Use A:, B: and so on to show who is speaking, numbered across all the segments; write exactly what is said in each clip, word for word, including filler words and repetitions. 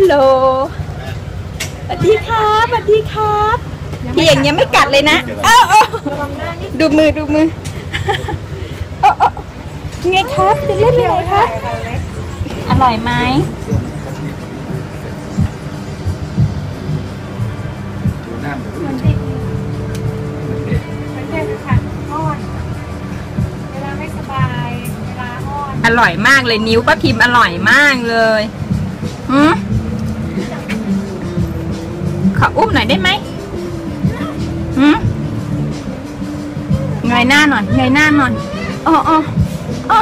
A: โหลสวัสดีครับสวัสดีครับพี่อย่างเงี้ยไม่กัดเลยนะอ้าวดูมือดูมือไงครับจะเล่นอะไรครับอร่อยไหมอร่อยมากเลยนิ้วป้าพิมพ์อร่อยมากเลยหืมขออุ้มหน่อยได้ไหมหืมเงยหน้าหน่อยเงยหน้าหน่อยอ๋ออ๋ออ๋อ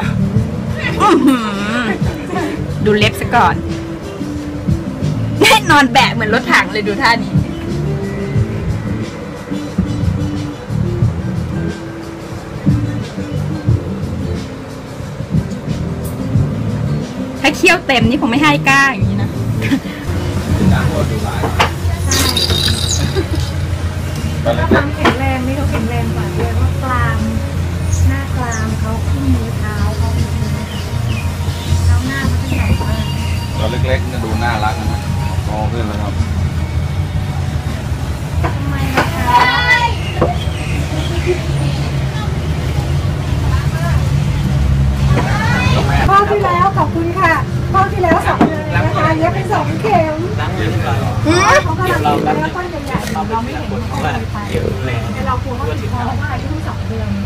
A: ดูเล็บซะก่อนนอนแบะเหมือนรถถังเลยดูท่านี้ถ้าเคี้ยวเต็มนี่ผมไม่ให้ก้าอย่างนี้นะ
B: ความแข็งแรงนี่เขาแข็งแรงกว่าด้วยว่ากรามหน้ากรามเขาขึ้นมือเท้าเขาเท้าหน้าเขาจะใหญ่มาก
C: ตอนเล็กๆจะดูน่ารักนะโตขึ้นแล้วครับ
B: ทำไมนะคะข้อที่แล้วขอบคุณค่ะข้อที่แล้วสองเดือนเลยนะคะเย็บไปสองเข็มเขากำลังกินแล้วก้อนใหญ่ๆเราไม่เห็นเขาเลยไปแต่เรากลัวว่าติดคอเพราะว่าอายุเพิ่งสองเดือน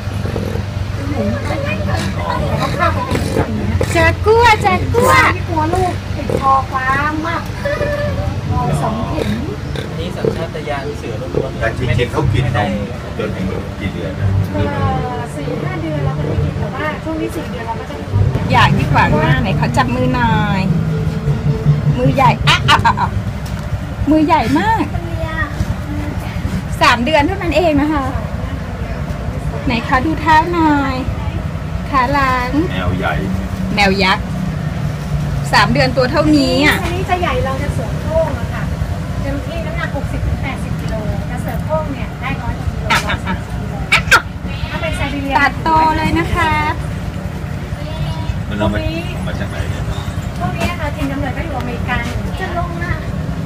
B: เขาฆ่าไปเป็นอย่างนี้
A: จะกลัวจะกลัว
B: ที่กลัวลูกติดคอฟ้ามากคอสองเข็ม
D: นี่สัญชาตญาณเสือล้วนๆ
C: แต่จริงๆเขากินนมจนถึงกี่เดือนนะ
B: สี่ห้าเดือนเราก็กินแต่ว่าช่วงนี้สี่เดือนเราก็จะ
A: อยากที่ขวางหน้าไหนเขาจับมือหน่อยมือใหญ่อ่ะอ่ะอ่ะมือใหญ่มากสามเดือนเท่านั้นเองนะคะไหนคะดูเท้าหน่อยขาหลัง
C: แนวใหญ่
A: แนวยักษ์สามเดือนตัวเท่านี้อ่ะ
B: อันนี้จะใหญ่เราจะเสริมโค้งอะค่ะเต็มที่น้ำหนักหกสิบถึงแปดสิบกิโลจะเสริมโค้งเนี่ยได้ร้อยกิโลถ้าเป็นไซบีเรีย
A: ตัดโตเลยนะคะ
C: มันเอามามาจากไหนเนี่ย
B: พวกนี้ค่ะทีมกำเนิดก็อยู่อเมริกาจะลงนะ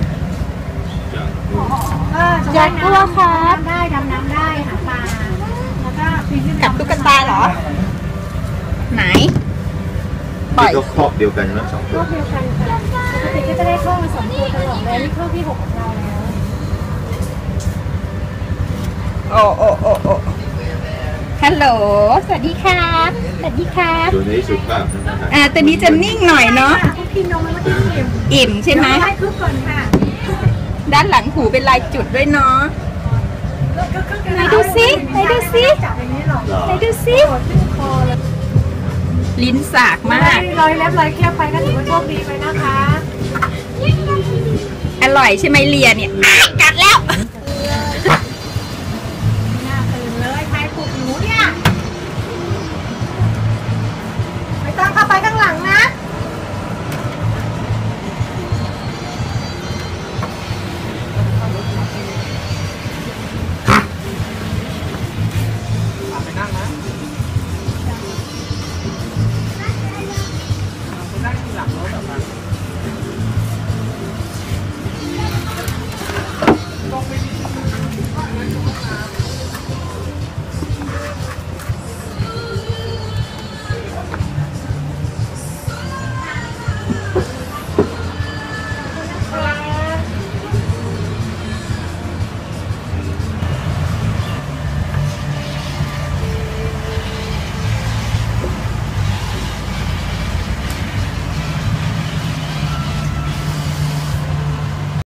A: อยากกลัวครับ
B: ได้ดำน้ำได้หาปลาแล้วก็ปีน
A: กับตุ๊กตาเหรอไหน
C: ปล่อยครอบเดียวกันนะสองตัว
B: ครอบเดียวกันค่ะปกติก็จะได้ครอบมาสองตัวตลอดเลยนี่ครอบที่หกของเราแล้ว
A: โอ้โอ้โอ้โอ้ฮัลโหลสวัสดีครับสวัสดีครับ
C: ตัวนี้สุภาพ
A: อ่าตัวนี้จะนิ่งหน่อยเนาะ
B: กินนมมันก็อิ่ม
A: อิ่มใช่ไหม
B: ได้คึกก่อนค่ะ
A: ด้านหลังหูเป็นลายจุดด้วยเนาะไหนดูซิไหนดูซิไหนดูซิลิ้นสากมาก
B: รอยเล็บรอยเคี้ยวไปก็ถือว่าโชคดีไปนะคะ
A: อร่อยใช่ไหมเลียเนี่ยกัดแล้ว